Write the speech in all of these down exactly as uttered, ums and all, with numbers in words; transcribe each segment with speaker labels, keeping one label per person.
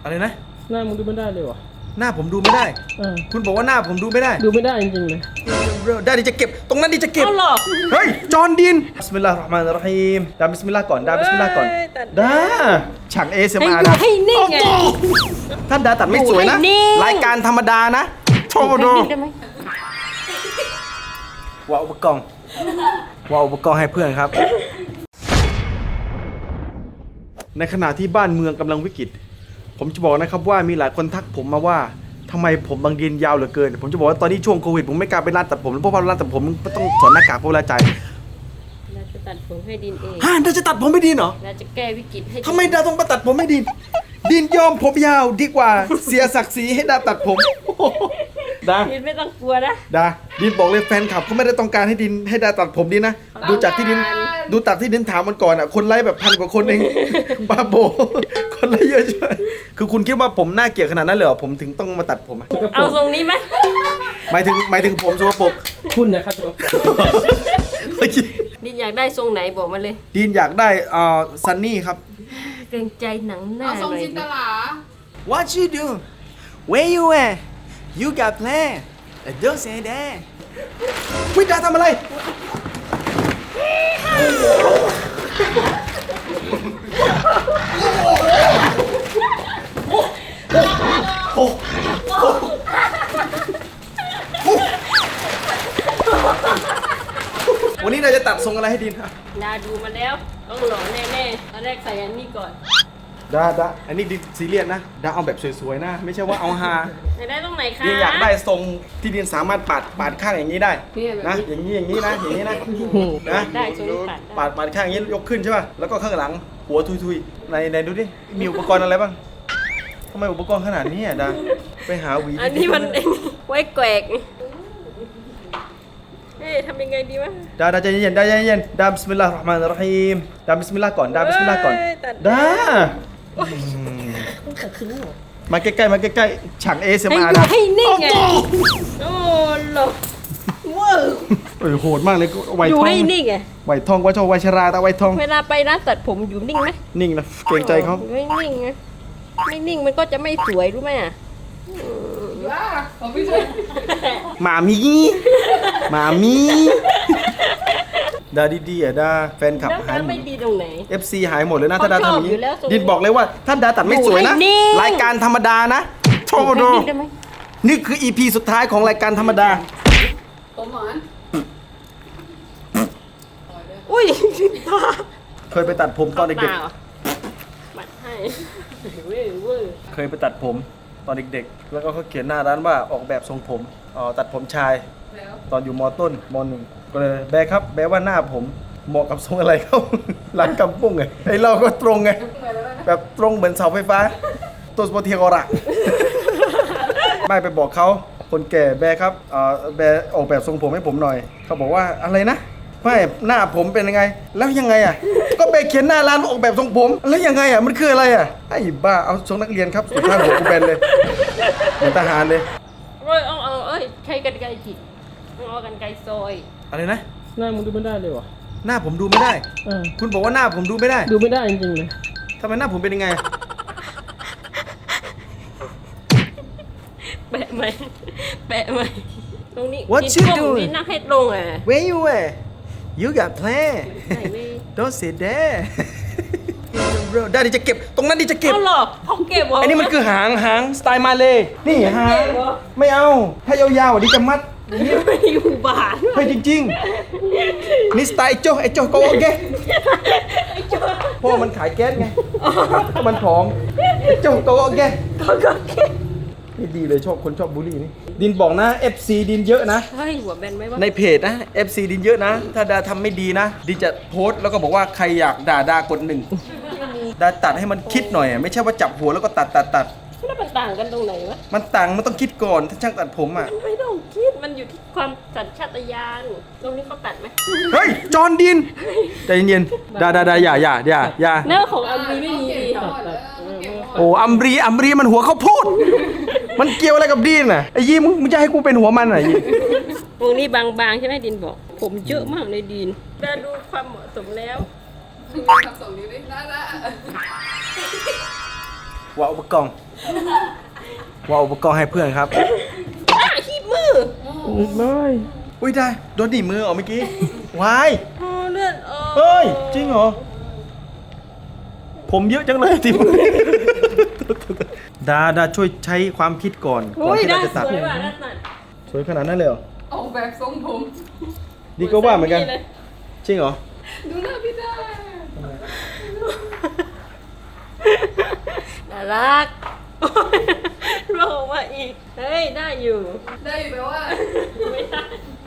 Speaker 1: อะไรนะ
Speaker 2: หน้ามึงดูไม่ได้เลยวะ
Speaker 1: หน้าผมดูไม่ได้คุณบอกว่าหน้าผมดูไม่ได้
Speaker 2: ดูไม่ได้จริงๆเลย
Speaker 1: ได้ดิจะเก็บตรงนั้นดิจะเก็บเฮ้ยจอห์นดินบิสมิลลาฮิรเราะห์มานิรเราะฮีมดาบิสมิลลาห์ก่อนดาบิสมิลลาห์ก่อนดาฉากเอสเอ็มอาร์นะ
Speaker 3: ให้นิ่งไง
Speaker 1: ท่านดาตัดไม่สวยนะรายการธรรมดานะโชว์ดูว่าอุปกรณ์ว่าอุปกรณ์ให้เพื่อนครับในขณะที่บ้านเมืองกำลังวิกฤตผมจะบอกนะครับว่ามีหลายคนทักผมมาว่าทำไมผมบางดินยาวเหลือเกินผมจะบอกว่าตอนนี้ช่วงโควิดผมไม่กล้าไปร้านตัดผมเพราะว่าร้านตัดผมต้องถอดหน้ากากเพราะเวลาจ่าย
Speaker 3: เราจะตัดผมให้ดินเอง
Speaker 1: ฮะเราจะตัดผมให้ดินเหรอ
Speaker 3: เราจะแก้วิกฤตให้
Speaker 1: ทำไมดาต้องมาตัดผมให้ดินดินยอมผมยาวดีกว่าเสียศักดิ์ศรีให้ดาตัดผมดา
Speaker 3: ดินไม่ต้องกลัวนะ
Speaker 1: ดาดินบอกเลยแฟนคลับเขาไม่ได้ต้องการให้ดินให้ดาตัดผมดินนะดูจากที่ดินดูตัดที่ดินถามมันก่อนอ่ะคนไลค์แบบพันกว่าคนเองบ้าโบคนไลค์เยอะใช่คือคุณคิดว่าผมน่าเกลียดขนาดนั้นเลยเหรอผมถึงต้องมาตัดผม
Speaker 3: เอาทรงนี้ไหม
Speaker 1: หมายถึงหมายถึงผมสกปรก
Speaker 2: คุณนะครับ
Speaker 3: ดินอยากได้ทรงไหนบอกมาเลย
Speaker 1: ดินอยากได้อ่าซันนี่ครับ
Speaker 3: เกรงใจหนังหน้าหน่อยดิ
Speaker 1: What you do Where you at You got plan Don't say that วิดาทำอะไรวันนี้เราจะตัดทรงอะไรให้ดิน
Speaker 3: ดาดูมาแล้วต้องหล่อแน่ๆตอนแรกใส่อันนี้ก่อน
Speaker 1: ดาดาอันนี้ดินซีเรียสนะดาเอาแบบสวยๆนะไม่ใช่ว่าเอาฮา
Speaker 3: อยากได้ตรงไหนคะ
Speaker 1: ดินอยากได้ทรงที่ดินสามารถปาดปาดข้างอย่างนี้ได้นะอย่างนี้อย่างนี้นะอย่างนี้นะนะ
Speaker 3: ได้ทรงนี้ปาด
Speaker 1: ปาดปาดข้างอย่างนี้ยกขึ้นใช่ป่ะแล้วก็ข้างหลังหัวทุยๆในในดูดิมีอุปกรณ์อะไรบ้างทำไมอุปกรณ์ขนาดนี้อ่ะดาไปหาหวี
Speaker 3: อันนี้มันไว้แกวกเฮ้ยทำยังไงดีวะ
Speaker 1: ดาดาใจเย็นดาใจเย็นดาบิสมิลลาฮิรเราะห์มานิรเราะฮีมดาบิสมิลลาห์ก่อนดาบิสมิลลาห์ก่อนดามาใกล้ๆมาใกล้ๆฉากเอสเอ็มอาร์นะ
Speaker 3: ให้นิ่งไงโอ้โหว้าว
Speaker 1: เออโหดมากเลยไวทอง
Speaker 3: อยู่ให้นิ่งไง
Speaker 1: ไวทองว่าชอบไวชราตาไวทอง
Speaker 3: เวลาไปร้านตัดผมอยู่นิ่งไหม
Speaker 1: นิ่งนะเกรงใจเขา
Speaker 3: ไม่นิ่งไงไม่นิ่งมันก็จะไม่สวยรู้ไหมอ่ะ
Speaker 1: หมามีหมามีดาดีๆอ่ะดาแฟนคลับหายหมด
Speaker 3: ไม่ดีตรงไหน
Speaker 1: เอฟ ซี หายหมดเลยนะถ้าดาทำอย่างนี้ดินบอกเลยว่าท่านดาตัดไม่สวยนะรายการธรรมดานะโชว์ดูนี่คือ อี พี สุดท้ายของรายการธรรมดา
Speaker 3: ผมหวานอุ้ย
Speaker 1: เคยไปตัดผมตอนเด็ก
Speaker 3: ๆบัดให้
Speaker 1: เคยไปตัดผมตอนเด็กๆแล้วก็เขาเขียนหน้าร้านว่าออกแบบทรงผมอ๋อตัดผมชายตอนอยู่ม.ต้นม.หนึ่งก็เลยแบร์ครับแบร์ว่าหน้าผมเหมาะกับทรงอะไรเขาร้านกำปุ้งไงไอเราก็ตรงไงแบบตรงเหมือนเสาไฟฟ้าตัวสปอร์ตเทียกระไม่ไปบอกเขาคนแก่แบร์ครับเอ่อแบร์ออกแบบทรงผมให้ผมหน่อยเขาบอกว่าอะไรนะไม่หน้าผมเป็นยังไงแล้วยังไงอ่ะก็แบร์เขียนหน้าร้านออกแบบทรงผมแล้วยังไงอ่ะมันคืออะไรอ่ะไอ้บ้าเอาทรงนักเรียนครับสุดท้ายหัวกูแบนเลยเหมือนทหารเลย
Speaker 3: เอ้ยเอาเอาเอ้ยใช้กันไกรจิตเอากันไกรซอย
Speaker 1: อะไรนะ
Speaker 2: หน้ามึงดูไม่ได้เลยวะ
Speaker 1: หน้าผมดูไม่ได้คุณบอกว่าหน้าผมดูไม่ได้
Speaker 2: ดูไม่ได้จริงๆเลย
Speaker 1: ทำไมหน้าผมเป็นยังไง
Speaker 3: แปะไหมแปะไหมตรงนี้
Speaker 1: What you do
Speaker 3: นี่นั่งให้ตรงอ่ะ
Speaker 1: Where you at You got plan Don't say that ได้ดิจะเก็บตรงนั้นดิจะเก็บ
Speaker 3: เอาหรอเขาเก็บเหรอ
Speaker 1: อันนี้มันคือหางหางสไตล์มาเลยนี่หางไม่เอาถ้ายาวๆอ่ะดิจะมัด
Speaker 3: ไม่อยู่บ้าน
Speaker 1: เฮ้ยจริงๆนี่สไตล์ไอ้โจ้ไอ้โจ้โกโอเคเพราะมันขายแก๊สไงมันผอมไอ้โจ้โกโอเคนี่ดีเลยชอบคนชอบบูลลี่นี่ดินบอกนะ เอฟ ซี ดินเยอะนะ
Speaker 3: เฮ้ยหัวแบนไหมวะ
Speaker 1: ในเพจนะ เอฟ ซี ดินเยอะนะถ้าดาทำไม่ดีนะดินจะโพสต์แล้วก็บอกว่าใครอยากด่าดากดหนึ่งดาตัดให้มันคิดหน่อยไม่ใช่ว่าจับหัวแล้วก็ตัดตัดตัด
Speaker 3: แล้วมันต่างกันตรงไหนวะ
Speaker 1: มันต่างมันต้องคิดก่อนถ้าช่างตัดผมอ่ะ
Speaker 3: ไม่ต้องคิดมันอยู่ที่ความสัญชาตญาณตรงนี้เขาตัดไหม
Speaker 1: เฮ้ยจอห์นดินใจเย็นๆดาดาดาอย่าอย่าอย่าอย่า
Speaker 3: เนื้อของอัมรีไม่มีดี
Speaker 1: โอ้อัมรีอัมรีมันหัวเขาพูดมันเกี่ยวอะไรกับดินอ่ะไอ้ยี่มึงมึงจะให้กูเป็นหัวมันอ่ะยี่
Speaker 3: ตรงนี้บางๆใช่ไหมดินบอกผมเยอะมากในดินดาดูความเหมาะสมแล้ว
Speaker 4: ทำสองนิ้วได้ละ
Speaker 1: ว่าอุปกรณ์ว่าอุปกรณ์ให้เพื่อนครับ
Speaker 3: ป้าขี้มือ
Speaker 2: ไม่
Speaker 1: อุ้ยได้โดนหนีบมือออกเมื่อกี้วาย
Speaker 3: อ๋อเลือดออก
Speaker 1: เฮ้ยจริงเหรอผมเยอะจังเลยที่มือดาดาช่วยใช้ความคิดก่อนก่อน
Speaker 3: อุ้ย
Speaker 1: ที่
Speaker 3: ได้
Speaker 1: เราจะ
Speaker 3: ส
Speaker 1: ตัด
Speaker 3: วยว่ะได้ตัด
Speaker 1: สวยขนาดนั้นเลยเหรอ
Speaker 4: ออกแบบทรงผม
Speaker 1: ดีก็ว่าเหมือนกัน
Speaker 3: เลย
Speaker 1: จริงเหรอ
Speaker 4: ดูหน้าพี่ได้
Speaker 3: น่ารักลงมาอีก เฮ้ย ได้อยู่
Speaker 4: ได้อยู่แปลว่า
Speaker 3: ไม่ได้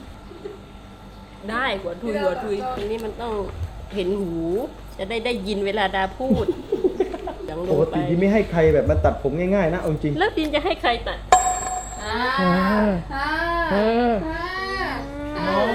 Speaker 3: ได้หัวทุยหัวทุยทีนี้มันต้องเห็นหู จะได้ได้ยินเวลาดาพูดยังล
Speaker 1: ป
Speaker 3: ง
Speaker 1: ก
Speaker 3: ไป
Speaker 1: ติที่ไม่ให้ใครแบบมาตัดผมง่ายๆนะเอาจริง
Speaker 3: แล้วดินจะให้ใครตัด
Speaker 4: อ่า
Speaker 2: อ่า
Speaker 4: อ่า
Speaker 2: อ่า
Speaker 4: อ่า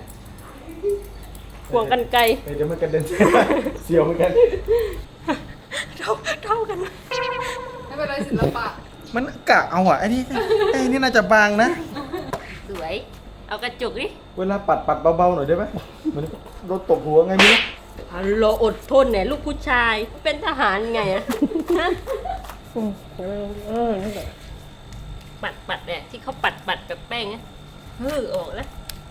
Speaker 3: ควงกันไกล
Speaker 1: เดี๋ยวมันกระเด็น เสียวเหมือนกัน
Speaker 3: เท่าเท่ากันไหม
Speaker 4: ไม่เป็นไรศิลปะ
Speaker 1: มันกะเอาอะไอ้นี่ไอ้นี่น่าจะบางนะ
Speaker 3: สวย เอากระจุกดิ
Speaker 1: เวลาปัดปัดเบาๆหน่อยได้ไหมเหมันโดนตบหัวไงไม่รู้
Speaker 3: ฮัลโหลอดทนเนี่ยลูกผู้ชาย เป็นทหารไงอะฮะ
Speaker 2: อืมเออเออนั่นแหละ
Speaker 3: ปัดปัดเนี่ยที่เขาปัดปัดกับแป้งนะเฮ้อออกแล้ว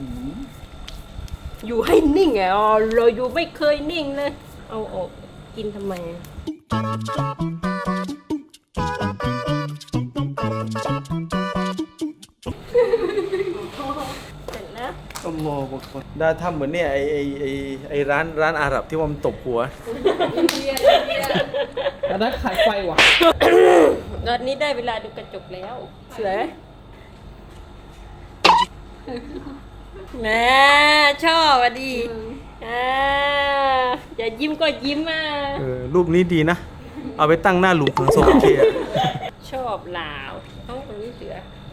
Speaker 3: อยู่ให้นิ่งไงอ๋อเราอยู่ไม่เคยนิ่งเลย เอาออกกินทำไมอะเสร็จแล้ว
Speaker 1: อัลลอฮฺอักบัรได้ทำเหมือนเนี่ยไอไอไอไอร้านร้านอาหรับที่ว่ามันตบหัว
Speaker 4: อินเดียอินเดีย
Speaker 2: แต่ได้ขายไฟว่ะ
Speaker 3: ตอนนี้ได้เวลาดูกระจกแล้วสวยไหมแม่ชอบอ่ะดีอ่าอย่ายิ้มก็ยิ้มอ่ะ
Speaker 1: เออรูปนี้ดีนะ เอาไปตั้งหน้าหลุมฝังศพโอเคอะ
Speaker 3: ชอบลาวห้องตรงนี้เสือ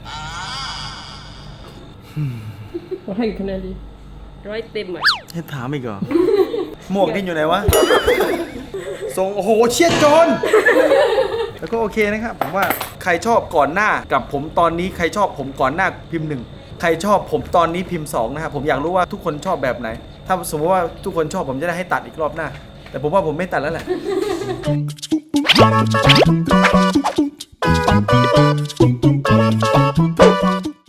Speaker 2: เราให้กี่คะแนนดี
Speaker 3: ร้อยเต็มอ่ะ
Speaker 1: ให้ถามอีกเหรอ หมวกนี่อยู่ไหนวะทรงโอ้โหเชียดโจนแล้วก็โอเคนะครับ ผมว่าใครชอบก่อนหน้ากับผมตอนนี้ใครชอบผมก่อนหน้าพิมพ์หนึ่งใครชอบผมตอนนี้พิมพ์สองนะครับผมอยากรู้ว่าทุกคนชอบแบบไหน ถ้าสมมติว่าทุกคนชอบผมจะได้ให้ตัดอีกรอบหน้า แต่ผมว่าผมไม่ตัดแล้วแหละ